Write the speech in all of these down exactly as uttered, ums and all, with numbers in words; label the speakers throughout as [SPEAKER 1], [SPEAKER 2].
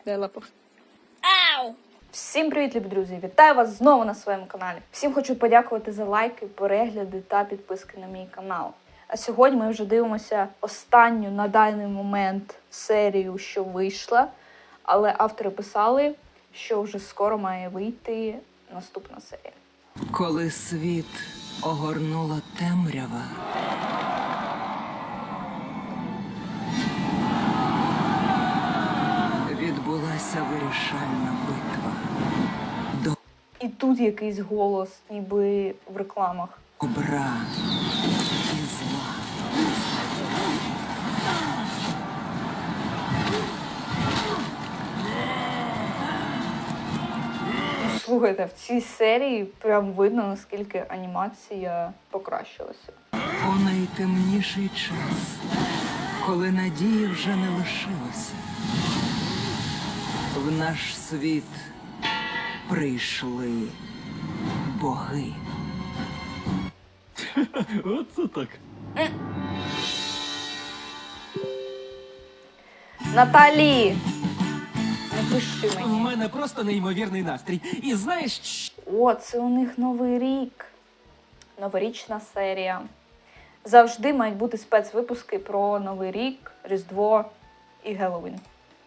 [SPEAKER 1] Дай лапу.
[SPEAKER 2] Ау!
[SPEAKER 1] Всім привіт, любі друзі! Вітаю вас знову на своєму каналі. Всім хочу подякувати за лайки, перегляди та підписки на мій канал. А сьогодні ми вже дивимося останню на даний момент серію, що вийшла. Але автори писали, що вже скоро має вийти наступна серія.
[SPEAKER 3] Коли світ огорнула темрява, відбулася вирішальна битва.
[SPEAKER 1] І тут якийсь голос, ніби в рекламах.
[SPEAKER 3] Добра і зла.
[SPEAKER 1] Слухайте, в цій серії прям видно, наскільки анімація покращилася.
[SPEAKER 3] У найтемніший час, коли надії вже не лишилося, в наш світ прийшли боги.
[SPEAKER 4] Оце так.
[SPEAKER 1] Наталі! Не пиши
[SPEAKER 5] У
[SPEAKER 1] мені.
[SPEAKER 5] мене просто неймовірний настрій. І знаєш, що?
[SPEAKER 1] О, це у них Новий рік. Новорічна серія. Завжди мають бути спецвипуски про Новий рік, Різдво і Геловін.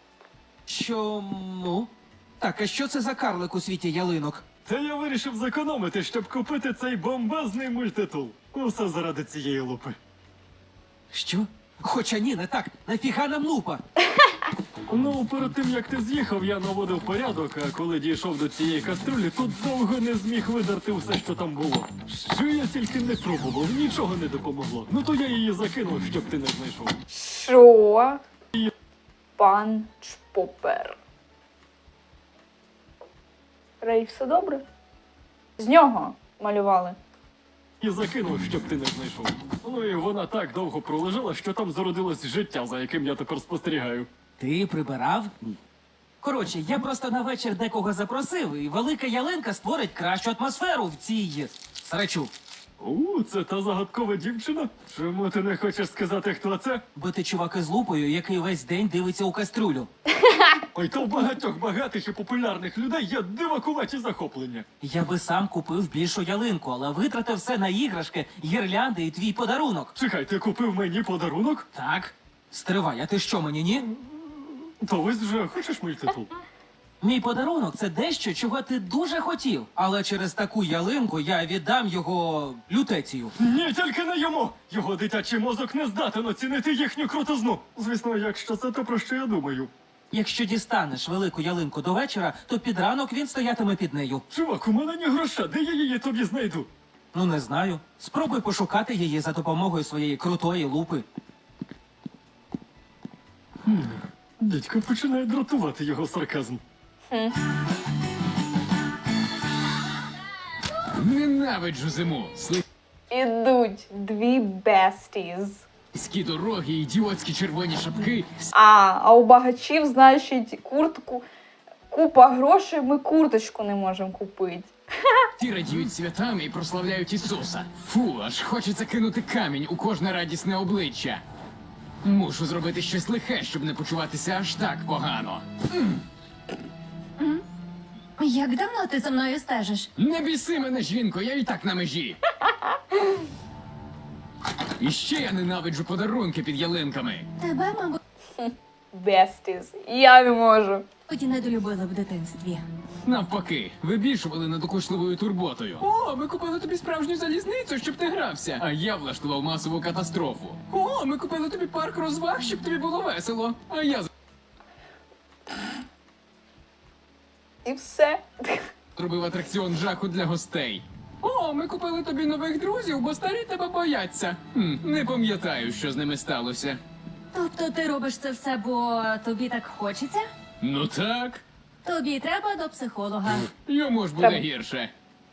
[SPEAKER 5] Чому? Так, а що це за карлик у світі ялинок?
[SPEAKER 4] Та я вирішив зекономити, щоб купити цей бомбезний мультитул. Усе заради цієї лупи.
[SPEAKER 5] Що? Хоча ні, не так. Нафіга нам лупа?
[SPEAKER 4] Ну, перед тим як ти з'їхав, я наводив порядок, а коли дійшов до цієї каструлі, тут довго не зміг видерти все, що там було. Що я тільки не пробував, нічого не допомогло. Ну то я її закинув, щоб ти не знайшов.
[SPEAKER 1] Що? Пан Чпопер. Рей, все добре? З нього малювали.
[SPEAKER 4] І закинув, щоб ти не знайшов. Ну і вона так довго пролежала, що там зародилось життя, за яким я тепер спостерігаю.
[SPEAKER 5] Ти прибирав? Коротше, я просто на вечір декого запросив, і велика ялинка створить кращу атмосферу в цій срачу.
[SPEAKER 4] У, це та загадкова дівчина? Чому ти не хочеш сказати, хто це?
[SPEAKER 5] Бо ти чувак із лупою, який весь день дивиться у кастрюлю.
[SPEAKER 4] Ой, то в багатьох багатих і популярних людей є дивакуваті захоплення.
[SPEAKER 5] Я би сам купив більшу ялинку, але витратив все на іграшки, гірлянди і твій подарунок.
[SPEAKER 4] Чекай, ти купив мені подарунок?
[SPEAKER 5] Так? Стривай, а ти що мені, ні?
[SPEAKER 4] То ось вже хочеш мультитул?
[SPEAKER 5] Мій подарунок – це дещо, чого ти дуже хотів. Але через таку ялинку я віддам його лютецію.
[SPEAKER 4] Ні, тільки не йому! Його дитячий мозок не здатен оцінити їхню крутизну. Звісно, якщо це то, про що я думаю.
[SPEAKER 5] Якщо дістанеш велику ялинку до вечора, то під ранок він стоятиме під нею.
[SPEAKER 4] Чувак, у мене ні гроша, де я її тобі знайду?
[SPEAKER 5] Ну, не знаю. Спробуй пошукати її за допомогою своєї крутої лупи.
[SPEAKER 4] Дідько починає дратувати його сарказм.
[SPEAKER 6] Ненавиджу зиму.
[SPEAKER 1] Ідуть дві бестіз.
[SPEAKER 6] Слизькі дороги, ідіотські червоні шапки.
[SPEAKER 1] А, а у багачів, значить, куртку, купа грошей, ми курточку не можемо купити.
[SPEAKER 6] Ті радіють святами і прославляють Ісуса. Фу, аж хочеться кинути камінь у кожне радісне обличчя. Мушу зробити щось лихе, щоб не почуватися аж так погано.
[SPEAKER 2] Як давно ти за мною стежиш?
[SPEAKER 6] Не біси мене, жінко, я і так на межі. І ще я ненавиджу подарунки під ялинками.
[SPEAKER 2] Тебе, мабуть,
[SPEAKER 1] Бестіз. Я не можу.
[SPEAKER 2] недолюбили в дитинстві.
[SPEAKER 6] Навпаки, вибільшували надокучливою турботою. О, ми купили тобі справжню залізницю, щоб ти грався. А я влаштував масову катастрофу. О, ми купили тобі парк розваг, щоб тобі було весело. А я
[SPEAKER 1] І все.
[SPEAKER 6] зробив атракціон жаху для гостей. О, ми купили тобі нових друзів, бо старі тебе бояться. Хм, не пам'ятаю, що з ними сталося.
[SPEAKER 2] Тобто ти робиш це все, бо тобі так хочеться?
[SPEAKER 6] Ну так,
[SPEAKER 2] Тобі треба до психолога.
[SPEAKER 6] йому ж буде
[SPEAKER 1] Треба.
[SPEAKER 6] гірше.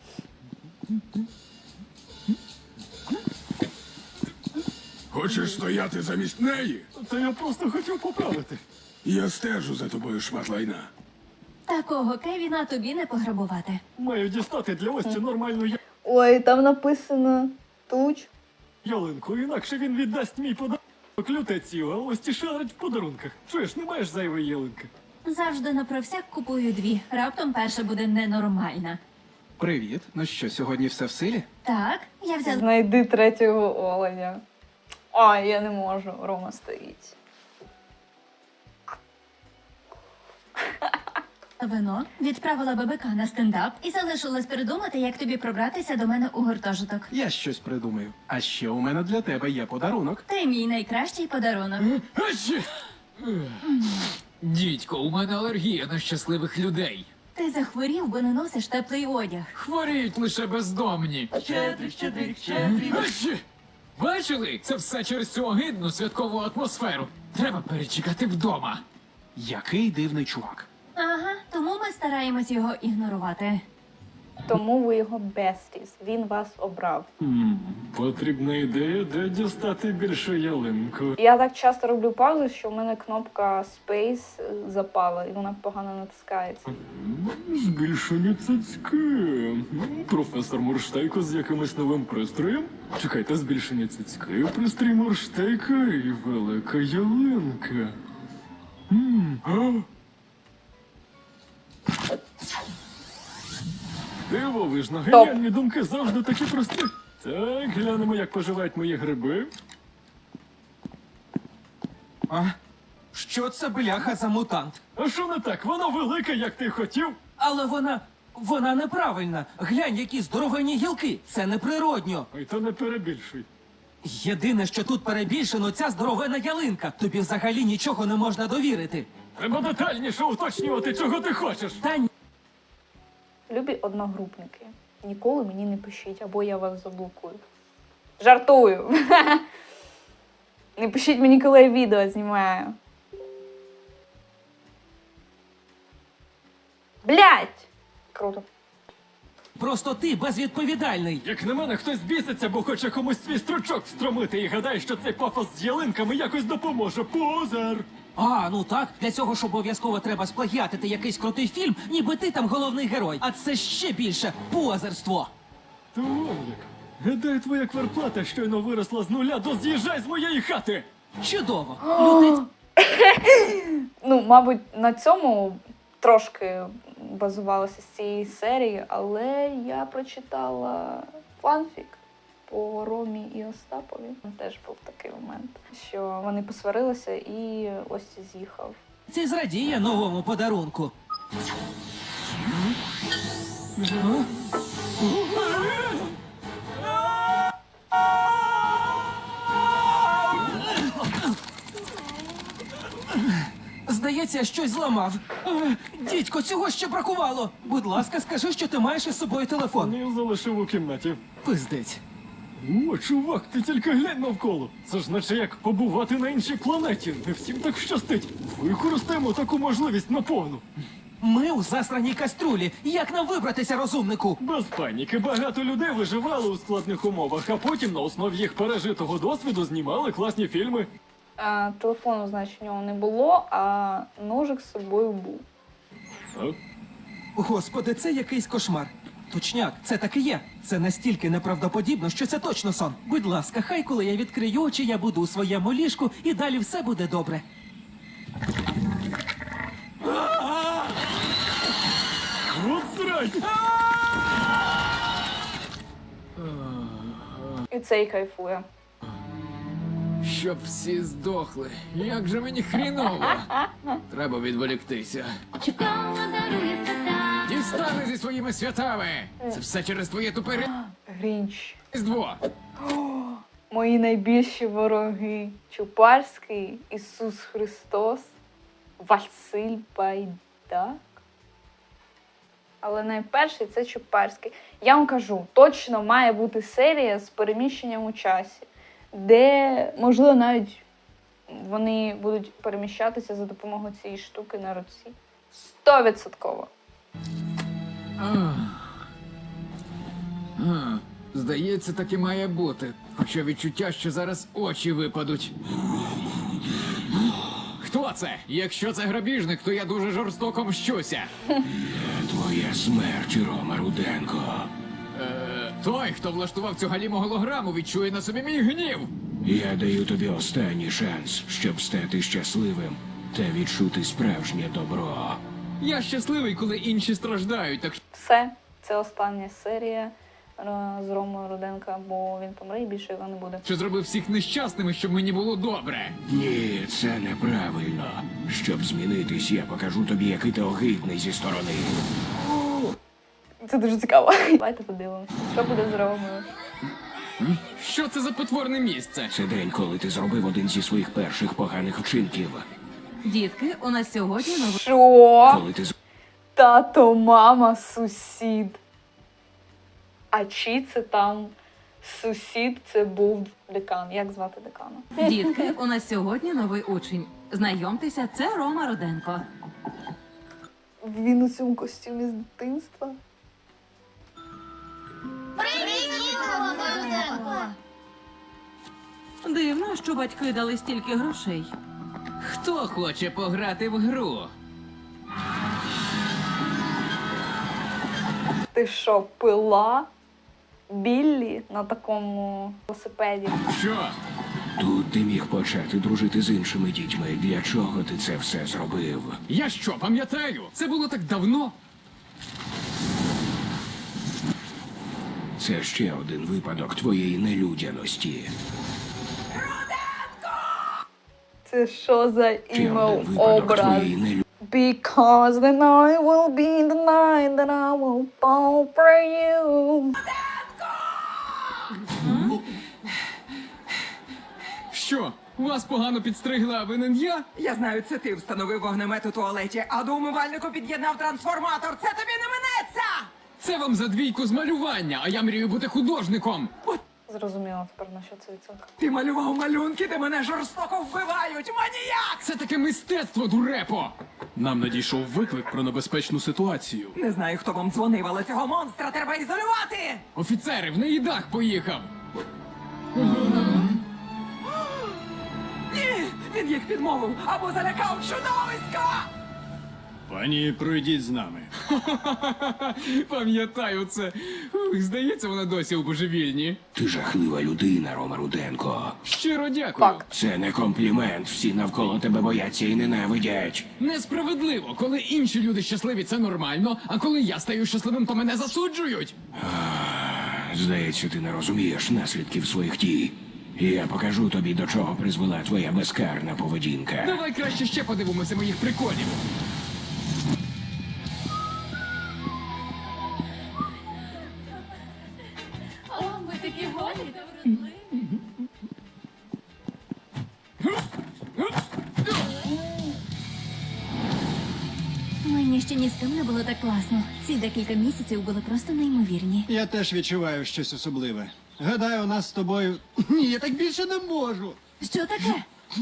[SPEAKER 7] Хочеш стояти замість неї?
[SPEAKER 4] Та я просто хотів поправити.
[SPEAKER 7] Я стежу за тобою, шмат лайна.
[SPEAKER 2] Такого Кевіна тобі не пограбувати.
[SPEAKER 4] Маю дістати для Ості нормальну я-
[SPEAKER 1] Ой, там написано туч.
[SPEAKER 4] ялинку, інакше він віддасть мій подарунок лютецію, а Ості шарить в подарунках. Чуєш, не маєш зайвої ялинки?
[SPEAKER 2] Завжди на провсяк купую дві. Раптом перша буде ненормальна.
[SPEAKER 8] Привіт. Ну що, сьогодні все в силі?
[SPEAKER 2] Так, я взяла
[SPEAKER 1] Знайди третього оленя. Ой, я не можу, Рома стоїть.
[SPEAKER 2] вино, відправила ББК на стендап і залишилась придумати, як тобі пробратися до мене у гуртожиток.
[SPEAKER 8] Я щось придумаю. А ще у мене для тебе є подарунок.
[SPEAKER 2] Ти мій найкращий подарунок.
[SPEAKER 6] Ачі! Дідько, у мене алергія на щасливих людей.
[SPEAKER 2] Ти захворів, бо не носиш теплий одяг.
[SPEAKER 6] Хворіють лише бездомні.
[SPEAKER 5] Щедрик, щедрик, щедрик.
[SPEAKER 6] Ачі! Бачили? Це все через цю огидну святкову атмосферу. Треба перечекати вдома.
[SPEAKER 8] Який дивний чувак.
[SPEAKER 2] Ага, тому ми стараємось його ігнорувати.
[SPEAKER 1] Тому ви його бестіс. Він вас обрав.
[SPEAKER 4] Потрібна ідея, де дістати більше ялинку.
[SPEAKER 1] Я так часто роблю паузи, що в мене кнопка Space запала, і вона погано натискається.
[SPEAKER 4] Збільшені цицьки. Професор Мурштейко з якимось новим пристроєм. Чекайте, збільшені цицьки, пристрій Мурштейка і велика ялинка. М, а? Дивовижно, геніальні думки завжди такі прості. Так, глянемо, як поживають мої гриби.
[SPEAKER 5] А? Що це бляха за мутант?
[SPEAKER 4] А що не так? Воно велике, як ти хотів.
[SPEAKER 5] Але вона. Вона неправильна. Глянь, які здоровенні гілки. Це неприродньо.
[SPEAKER 4] Ой, то не перебільшуй.
[SPEAKER 5] Єдине, що тут перебільшено, ця здоровена ялинка. Тобі взагалі нічого не можна довірити.
[SPEAKER 4] Треба детальніше уточнювати, чого ти хочеш.
[SPEAKER 5] Та ні.
[SPEAKER 1] Любі одногрупники. Ніколи мені не пишіть, або я вас заблокую. Жартую. Не пишіть мені, коли я відео знімаю. Блять! Круто.
[SPEAKER 5] Просто ти безвідповідальний.
[SPEAKER 4] Як на мене, хтось біситься, бо хоче комусь свій стручок встромити і гадає, що цей пафос з ялинками якось допоможе. Позер!
[SPEAKER 5] А, ну так, для цього ж обов'язково треба сплагіатити якийсь крутий фільм, ніби ти там головний герой. А це ще більше позерство.
[SPEAKER 4] То вон як. Гадаю, твоя квартплата щойно виросла з нуля до з'їжджай з моєї хати!
[SPEAKER 5] Чудово. Лютиць.
[SPEAKER 1] Ну, мабуть, на цьому трошки базувалося з цієї серії, але я прочитала фанфік по Ромі і Остапові. Теж був такий момент, що вони посварилися і ось з'їхав.
[SPEAKER 5] Це зрадіє новому подарунку. Здається, я щось зламав. Е, Дідько, цього ще бракувало. Будь ласка, скажи, що ти маєш із собою телефон.
[SPEAKER 4] Я залишив у кімнаті.
[SPEAKER 5] Пиздець.
[SPEAKER 4] О, чувак, ти тільки глянь навколо. Це ж наче як побувати на іншій планеті. Не всім так щастить. Використаємо таку можливість наповну.
[SPEAKER 5] Ми у засраній каструлі. Як нам вибратися, розумнику?
[SPEAKER 4] Без паніки, багато людей виживали у складних умовах, а потім на основі їх пережитого досвіду знімали класні фільми.
[SPEAKER 1] А, телефону, значить, у нього не було, а ножик з собою був.
[SPEAKER 4] А?
[SPEAKER 5] Господи, це якийсь кошмар. Точняк, це так і є. Це настільки неправдоподібно, що це точно сон. Будь ласка, хай коли я відкрию очі, я буду у своєму ліжку і далі все буде добре.
[SPEAKER 4] От срань!
[SPEAKER 1] І цей кайфує.
[SPEAKER 6] Щоб всі здохли. Як же мені хріново. Треба відволіктися. Дістани зі своїми святами. Це все через твоє тупе
[SPEAKER 1] Грінч.
[SPEAKER 6] різдво.
[SPEAKER 1] Мої найбільші вороги. Чупарський, Ісус Христос, Василь Байдак. Але найперший це Чупарський. Я вам кажу, точно має бути серія з переміщенням у часі, де, можливо, навіть вони будуть переміщатися за допомогою цієї штуки на руці. Стовідсотково.
[SPEAKER 6] Ах. А, Здається, так і має бути. Хоча відчуття, що зараз очі випадуть. Хто це? Якщо це грабіжник, то я дуже жорстоко мщуся.
[SPEAKER 7] Твоя смерть, Рома Руденко.
[SPEAKER 6] Е, той, хто влаштував цю галіму голограму, відчує на собі мій гнів.
[SPEAKER 7] Я даю тобі останній шанс, щоб стати щасливим. та відчути справжнє добро.
[SPEAKER 6] Я щасливий, коли інші страждають, так що
[SPEAKER 1] Все, це остання серія е, з Ромою Руденка, бо він помре і більше його не буде.
[SPEAKER 6] що зробив всіх нещасними, щоб мені було добре.
[SPEAKER 7] Ні, це неправильно. Щоб змінитись, я покажу тобі, який ти огидний зі сторони.
[SPEAKER 1] Це дуже цікаво. Давайте подивимося, що буде з Ромою.
[SPEAKER 6] Що це за потворне місце?
[SPEAKER 7] Це день, коли ти зробив один зі своїх перших поганих вчинків.
[SPEAKER 9] Дітки, у нас сьогодні новий
[SPEAKER 1] Що?
[SPEAKER 7] Коли ти з-
[SPEAKER 1] Тато, мама, сусід. А чи це там сусід, це був декан. Як звати декана?
[SPEAKER 9] дітки. У нас сьогодні новий учень. Знайомтеся, це Рома Руденко.
[SPEAKER 1] Він у цьому костюмі з дитинства.
[SPEAKER 9] Дивно, що батьки дали стільки грошей.
[SPEAKER 6] Хто хоче пограти в гру?
[SPEAKER 1] Ти що, пила Біллі на такому велосипеді?
[SPEAKER 6] Що?
[SPEAKER 7] Тут ти міг почати дружити з іншими дітьми. Для чого ти це все зробив?
[SPEAKER 6] Я що, пам'ятаю? Це було так давно.
[SPEAKER 7] Це ще один випадок твоєї нелюдяності.
[SPEAKER 1] Це що за
[SPEAKER 7] Ще
[SPEAKER 1] імел
[SPEAKER 7] один випадок
[SPEAKER 1] образ?
[SPEAKER 7] твоєї нелюдяності.
[SPEAKER 1] Because the night will be the night that I will fall for you.
[SPEAKER 6] Що? Вас погано підстригла, а винен я?
[SPEAKER 3] Я знаю, це ти встановив вогнемет у туалеті, а до умивальнику під'єднав трансформатор. Це тобі не минеться!
[SPEAKER 6] Це вам за двійку з малювання, а я мрію бути художником.
[SPEAKER 1] Зрозуміло тепер, на що це відсоток.
[SPEAKER 3] Ти малював малюнки, де мене жорстоко вбивають! Маніяк!
[SPEAKER 6] Це таке мистецтво, дурепо!
[SPEAKER 8] Нам надійшов виклик про небезпечну ситуацію.
[SPEAKER 3] Не знаю, хто вам дзвонив, але цього монстра треба ізолювати!
[SPEAKER 6] Офіцери, в неї дах поїхав!
[SPEAKER 3] Ні! Він їх підмовив або залякав чудовисько!
[SPEAKER 8] Пані, пройдіть з нами.
[SPEAKER 6] Пам'ятаю це. Ух, здається, вона досі у божевільні.
[SPEAKER 7] Ти жахлива людина, Рома Руденко.
[SPEAKER 6] Щиро дякую.
[SPEAKER 1] Так.
[SPEAKER 7] Це не комплімент. Всі навколо тебе бояться і ненавидять.
[SPEAKER 6] Несправедливо, коли інші люди щасливі, це нормально, а коли я стаю щасливим, то мене засуджують.
[SPEAKER 7] Здається, ти не розумієш наслідків своїх дій. Я покажу тобі, до чого призвела твоя безкарна поведінка.
[SPEAKER 6] Давай краще ще подивимося моїх приколів.
[SPEAKER 2] О, ви такі голі. Мені ще ні з ким не було так класно. Ці декілька місяців були просто неймовірні.
[SPEAKER 10] Я теж відчуваю щось особливе. Гадаю, у нас з тобою. Ні, я так більше не можу.
[SPEAKER 2] Що таке?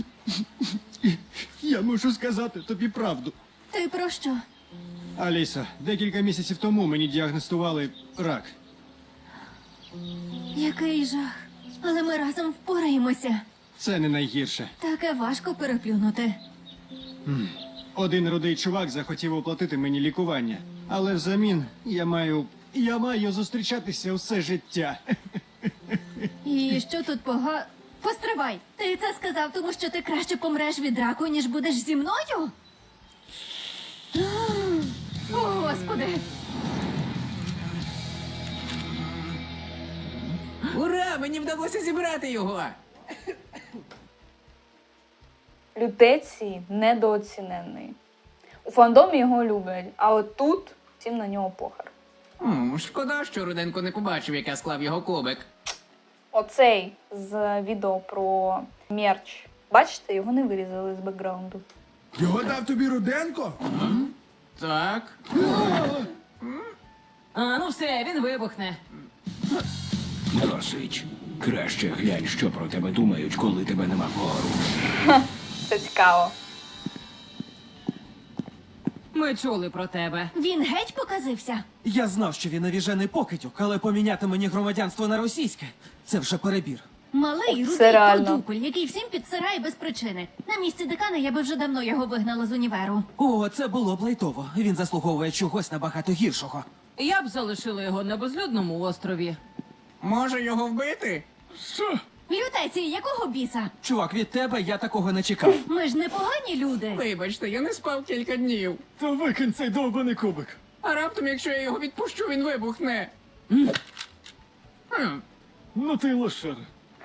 [SPEAKER 10] Я мушу сказати тобі правду.
[SPEAKER 2] Ти про що?
[SPEAKER 10] Аліса, декілька місяців тому мені діагностували рак.
[SPEAKER 2] Який жах. Але ми разом впораємося.
[SPEAKER 10] Це не найгірше.
[SPEAKER 2] Таке важко переплюнути.
[SPEAKER 10] Один рудий чувак захотів оплатити мені лікування. Але взамін я маю. Я маю зустрічатися усе життя.
[SPEAKER 2] І що тут пога... Постривай! Ти це сказав, тому що ти краще помреш від раку, ніж будеш зі мною? О, Господи!
[SPEAKER 3] Ура! Мені вдалося зібрати його!
[SPEAKER 1] Лютецій недооцінений. У фандомі його люблять, а от тут всім на нього похер.
[SPEAKER 3] М, шкода, що Руденко не побачив, як я склав його кубик.
[SPEAKER 1] Оцей з відео про мерч. Бачите, його не вирізали з бекграунду.
[SPEAKER 7] Його дав тобі Руденко?
[SPEAKER 3] Так.
[SPEAKER 9] А ну все, він вибухне.
[SPEAKER 7] Досить. Краще глянь, що про тебе думають, коли тебе нема поруч.
[SPEAKER 1] Це цікаво.
[SPEAKER 9] Ми чули про тебе.
[SPEAKER 2] Він геть показився.
[SPEAKER 5] Я знав, що він навіжений покидьок, але поміняти мені громадянство на російське це вже перебір.
[SPEAKER 2] Малий,
[SPEAKER 1] Це
[SPEAKER 2] рудий
[SPEAKER 1] реально.
[SPEAKER 2] продупель, який всім підсирає без причини. На місці декана я би вже давно його вигнала з універу.
[SPEAKER 5] О, це було б лайтово. Він заслуговує чогось набагато гіршого.
[SPEAKER 9] Я б залишила його на безлюдному острові.
[SPEAKER 3] Може його вбити?
[SPEAKER 8] Що?
[SPEAKER 2] Лютеці, якого біса?
[SPEAKER 5] Чувак, від тебе я такого не чекав.
[SPEAKER 2] Ми ж не погані люди.
[SPEAKER 6] Вибачте, я не спав кілька днів.
[SPEAKER 4] Та викинь цей довбаний кубик.
[SPEAKER 6] А раптом, якщо я його відпущу, він вибухне. Хм.
[SPEAKER 4] Ну ти й лошар.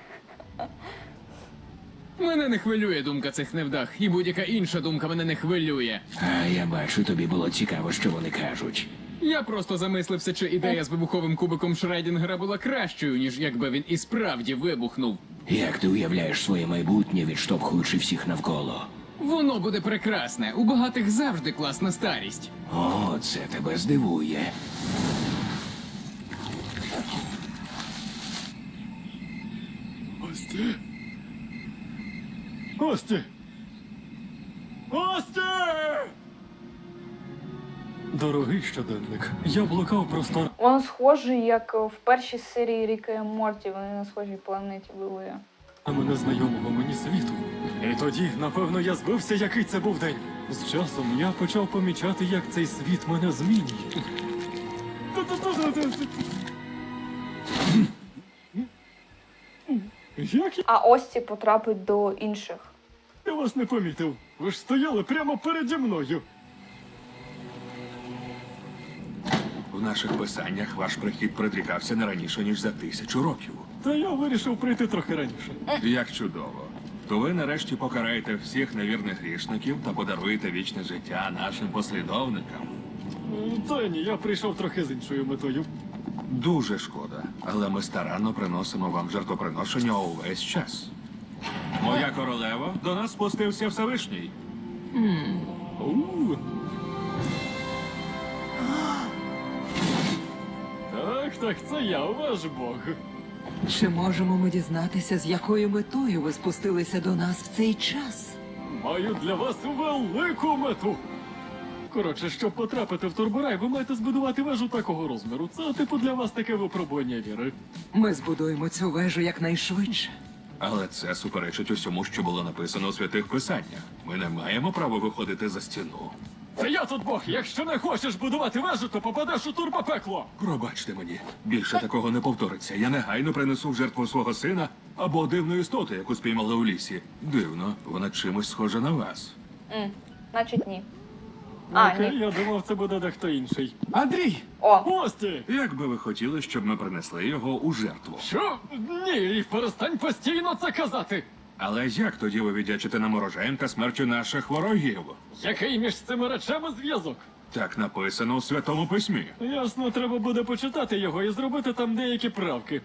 [SPEAKER 6] Мене не хвилює думка цих невдах, і будь-яка інша думка мене не хвилює.
[SPEAKER 7] А я бачу, тобі було цікаво, що вони кажуть.
[SPEAKER 6] Я просто замислився, чи ідея з вибуховим кубиком Шредінгера була кращою, ніж якби він і справді вибухнув.
[SPEAKER 7] Як ти уявляєш своє майбутнє, відштовхуючи всіх навколо?
[SPEAKER 6] Воно буде прекрасне. У багатих завжди класна старість.
[SPEAKER 7] О, це тебе здивує.
[SPEAKER 4] Ості. Ості. Ості! Дорогий щоденник, я блукав простор.
[SPEAKER 1] Воно схоже, як в першій серії Ріка і Морті. Вони на схожій планеті були.
[SPEAKER 4] Мене незнайомого мені світу. І тоді, напевно, я збився, який це був день. З часом я почав помічати, як цей світ мене змінює. Як я-
[SPEAKER 1] А Ості потрапить до інших.
[SPEAKER 4] я вас не помітив? Ви ж стояли прямо переді мною.
[SPEAKER 11] В наших писаннях ваш прихід предрікався не раніше, ніж за тисячу років.
[SPEAKER 4] Та я вирішив прийти трохи раніше.
[SPEAKER 11] Як чудово. То ви нарешті покараєте всіх невірних грішників та подаруєте вічне життя нашим послідовникам.
[SPEAKER 4] М, Та ні, я прийшов трохи з іншою метою.
[SPEAKER 11] Дуже шкода, але ми старанно приносимо вам жертвоприношення увесь час. Моя королева, до нас спустився Всевишній.
[SPEAKER 4] У. Так, так, це я, ваш Бог.
[SPEAKER 12] Чи можемо ми дізнатися, з якою метою ви спустилися до нас в цей час?
[SPEAKER 4] Маю для вас велику мету. Коротше, щоб потрапити в Турборай, ви маєте збудувати вежу такого розміру. Це, типу, для вас таке випробування віри.
[SPEAKER 12] Ми збудуємо цю вежу якнайшвидше.
[SPEAKER 11] Але це суперечить усьому, що було написано у святих писаннях. Ми не маємо права виходити за стіну.
[SPEAKER 4] Це я тут Бог. Якщо не хочеш будувати вежу, то попадеш у турбопекло.
[SPEAKER 11] Пробачте мені, більше такого не повториться. Я негайно принесу в жертву свого сина або дивну істоту, яку спіймали у лісі. Дивно, вона чимось схожа на вас.
[SPEAKER 1] М, значить ні. А,
[SPEAKER 4] Окей,
[SPEAKER 1] ні.
[SPEAKER 4] я думав, це буде дехто інший.
[SPEAKER 8] Андрій!
[SPEAKER 1] О,
[SPEAKER 4] Ості!
[SPEAKER 11] Як би ви хотіли, щоб ми принесли його у жертву?
[SPEAKER 4] Що? Ні, перестань постійно це казати.
[SPEAKER 11] Але як тоді ви віддячите нам урожаєм та смертю наших ворогів?
[SPEAKER 4] Який між цими речами зв'язок?
[SPEAKER 11] Так написано у Святому Письмі.
[SPEAKER 4] Ясно, треба буде почитати його і зробити там деякі правки.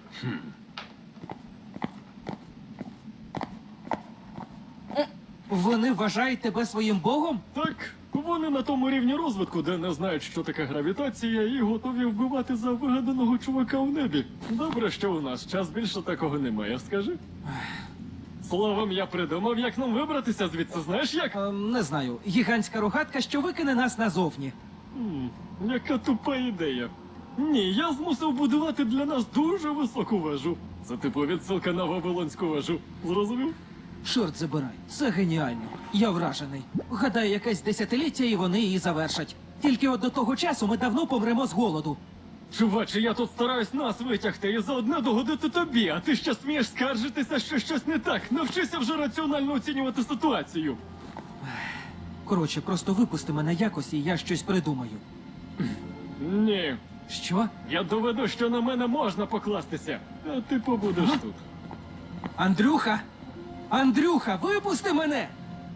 [SPEAKER 5] Вони вважають тебе своїм богом?
[SPEAKER 4] Так, вони на тому рівні розвитку, де не знають, що таке гравітація, і готові вбивати за вигаданого чувака в небі. Добре, що у нас час більше такого немає, скажи. Словом, я придумав, як нам вибратися звідси, знаєш як?
[SPEAKER 5] Ем, не знаю. Гігантська рогатка, що викине нас назовні.
[SPEAKER 4] М, яка тупа ідея. Ні, я змусив будувати для нас дуже високу вежу. Це типу відсилка на Вавилонську вежу. Зрозумів?
[SPEAKER 5] Чорт забирай, це геніально. Я вражений. Гадаю, якесь десятиліття і вони її завершать. Тільки от до того часу ми давно помремо з голоду.
[SPEAKER 4] Чуваче, я тут стараюсь нас витягти і заодно догодити тобі, а ти ще смієш скаржитися, що щось не так. Навчися вже раціонально оцінювати ситуацію.
[SPEAKER 5] Коротше, просто випусти мене якось, і я щось придумаю.
[SPEAKER 4] Ні.
[SPEAKER 5] Що?
[SPEAKER 4] Я доведу, що на мене можна покластися, а ти побудеш тут.
[SPEAKER 5] Андрюха! Андрюха, випусти мене!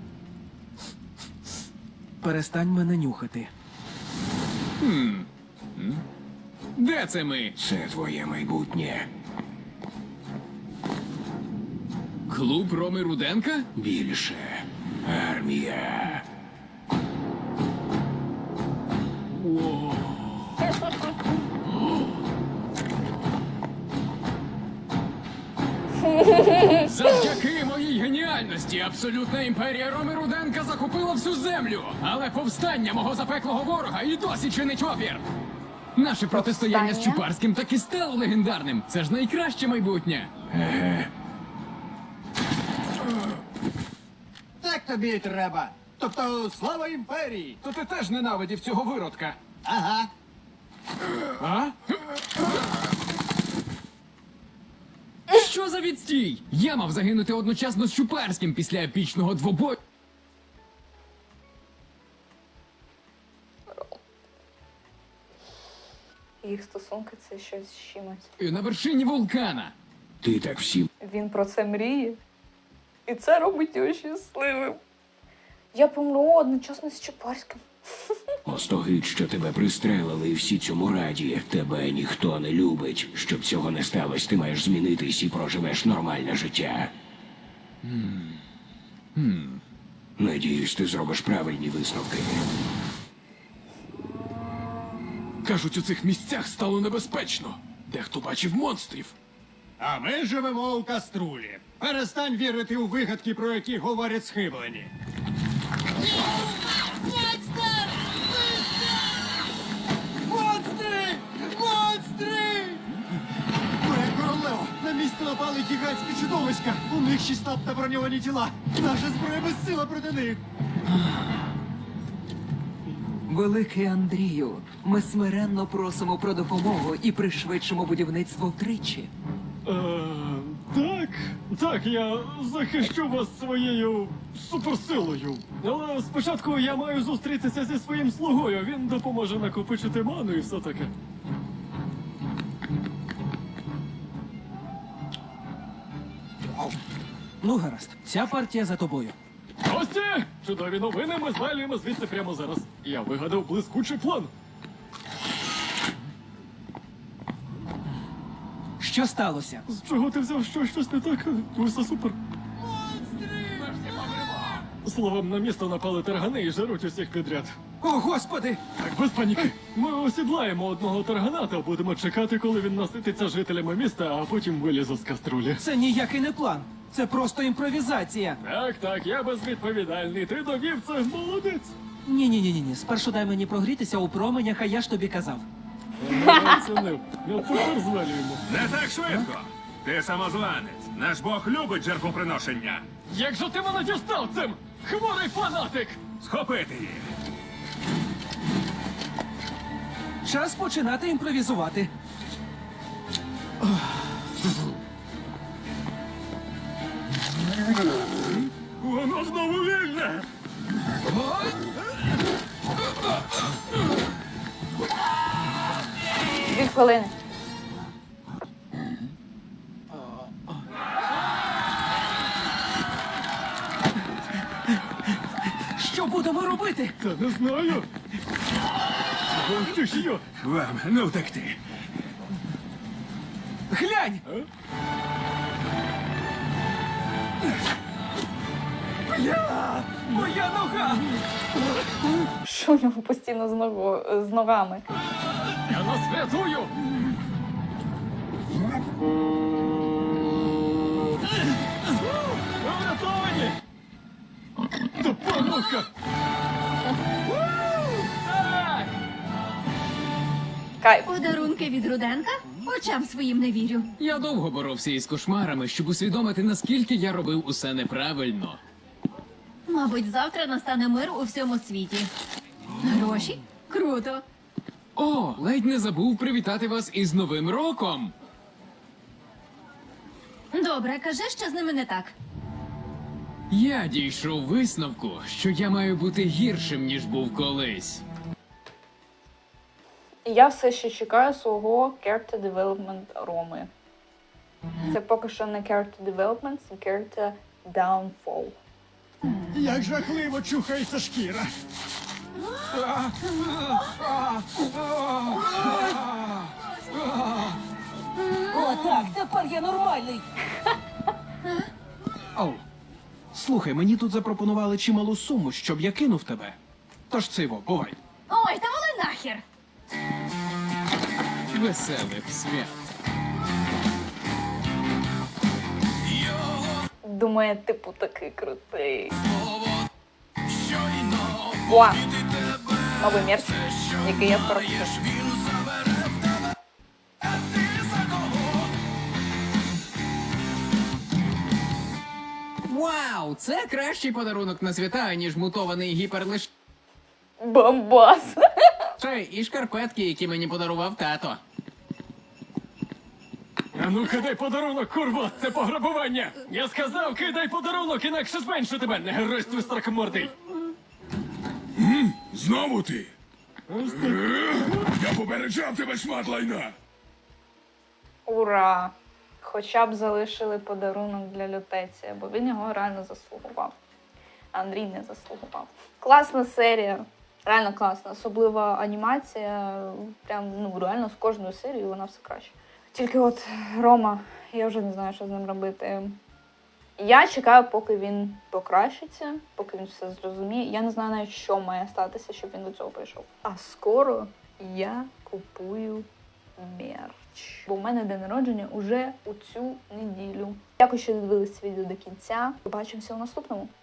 [SPEAKER 5] Перестань мене нюхати.
[SPEAKER 6] Де це ми?
[SPEAKER 7] Це твоє майбутнє.
[SPEAKER 6] Клуб Роми Руденка?
[SPEAKER 7] Більше. Армія.
[SPEAKER 6] Завдяки моїй геніальності абсолютна імперія Роми Руденка захопила всю землю. Але повстання мого запеклого ворога і досі чинить опір. Наше протистояння з
[SPEAKER 1] Повстання?
[SPEAKER 6] Чупарським так і стало легендарним. Це ж найкраще майбутнє.
[SPEAKER 10] Так тобі й треба. Тобто, слава імперії!
[SPEAKER 8] То ти теж ненавидів цього виродка.
[SPEAKER 10] Ага.
[SPEAKER 8] А?
[SPEAKER 6] Що Що за відстій? Я мав загинути одночасно з Чуперським після епічного двобою.
[SPEAKER 1] Їх стосунки це щось з чимось.
[SPEAKER 6] На вершині вулкана.
[SPEAKER 7] Ти так всім
[SPEAKER 1] Він про це мріє. І це робить його щасливим. Я помру одночасно з Чапарським.
[SPEAKER 7] остогид, що тебе пристрелили, і всі цьому раді. Тебе ніхто не любить. Щоб цього не сталося, ти маєш змінитись і проживеш нормальне життя. Надіюсь, ти зробиш правильні висновки.
[SPEAKER 6] Кажуть, у цих місцях стало небезпечно. Дехто бачив монстрів.
[SPEAKER 10] А ми живемо у каструлі. Перестань вірити у вигадки, про які говорять схиблені. Монстри! Монстри! Моя королева! На місце напали гігантські чудовиська! У них шістнадцять броньовані тіла! Наша зброя безсила проти них!
[SPEAKER 12] Великий Андрію, ми смиренно просимо про допомогу і пришвидшимо будівництво втричі.
[SPEAKER 4] Е, так, так, я захищу вас своєю суперсилою. Але спочатку я маю зустрітися зі своїм слугою. Він допоможе накопичити ману і все таке.
[SPEAKER 5] Ну, гаразд, ця партія за тобою.
[SPEAKER 4] Гості! Чудові новини, ми звалюємо звідси прямо зараз. Я вигадав блискучий план.
[SPEAKER 5] Що сталося?
[SPEAKER 4] З чого ти взяв, що щось не так? Усе супер. Словом, на місто напали таргани і жаруть усіх підряд.
[SPEAKER 5] О, господи!
[SPEAKER 4] Так, без паніки. Ми осідлаємо одного таргана та будемо чекати, коли він насититься жителями міста, а потім вилізе з каструлі.
[SPEAKER 5] Це ніякий не план. Це просто імпровізація.
[SPEAKER 4] Так, так, я безвідповідальний. Ти довів це, молодець.
[SPEAKER 5] Ні-ні-ні-ні. Спершу дай мені прогрітися у променях, а я ж тобі казав.
[SPEAKER 4] Я оцінив. Я тепер звалюємо.
[SPEAKER 11] Не так швидко. Ти самозванець. Наш Бог любить жертвоприношення.
[SPEAKER 4] Як же ти мене дістав цим? Хворий фанатик!
[SPEAKER 11] Схопити їх.
[SPEAKER 5] Час починати імпровізувати.
[SPEAKER 11] Воно знову вільне.
[SPEAKER 1] Дві хвилини.
[SPEAKER 5] Що будемо робити?
[SPEAKER 4] Та не знаю. Ох ти ж йо!
[SPEAKER 11] Вам не втекти.
[SPEAKER 5] Глянь! Бля! Моя нога!
[SPEAKER 1] Що в нього постійно з, ногу, з ногами?
[SPEAKER 4] Я нас врятую! Ви врятовані! Допомога! Так!
[SPEAKER 1] Кайф.
[SPEAKER 2] Подарунки від Руденка? Очам своїм не вірю.
[SPEAKER 6] Я довго боровся із кошмарами, щоб усвідомити, наскільки я робив усе неправильно.
[SPEAKER 2] Мабуть, завтра настане мир у всьому світі. Гроші? Круто.
[SPEAKER 6] О, ледь не забув привітати вас із Новим роком!
[SPEAKER 2] Добре, кажи, що з ними не так.
[SPEAKER 6] Я дійшов висновку, що я маю бути гіршим, ніж був колись.
[SPEAKER 1] І я все ще чекаю свого character development Роми. Це поки що не character development, це character downfall.
[SPEAKER 10] Як жахливо чухається шкіра!
[SPEAKER 12] О, так, тепер я нормальний.
[SPEAKER 8] Оу. Слухай, мені тут запропонували чималу суму, щоб я кинув тебе. Тож циво, бувай.
[SPEAKER 2] Ой, та вали нахер!
[SPEAKER 6] Веселих свят.
[SPEAKER 1] Думає, типу, такий крутий. О! Новий мерч, який я скоро куплю.
[SPEAKER 6] Вау! Це кращий подарунок на свята, ніж мутований гіперлиш...
[SPEAKER 1] Бомбас!
[SPEAKER 6] Ще і шкарпетки, які мені подарував тато.
[SPEAKER 4] А ну кидай подарунок, курва! Це пограбування! Я сказав, кидай подарунок, інакше зменшу тебе, не геройствуй стракомордий!
[SPEAKER 11] Знову ти? Я попереджав тебе, шмат лайна!
[SPEAKER 1] Ура! Хоча б залишили подарунок для Лютеція, бо він його реально заслугував. А Андрій не заслугував. Класна серія. Реально класна. Особлива анімація. Прям, ну, реально з кожною серією вона все краще. Тільки от Рома, я вже не знаю, що з ним робити. Я чекаю, поки він покращиться, поки він все зрозуміє. Я не знаю навіть, що має статися, щоб він до цього прийшов. А скоро я купую мерч. Бо в мене день народження уже у цю неділю. Дякую, що дивились це відео до кінця. Побачимося у наступному.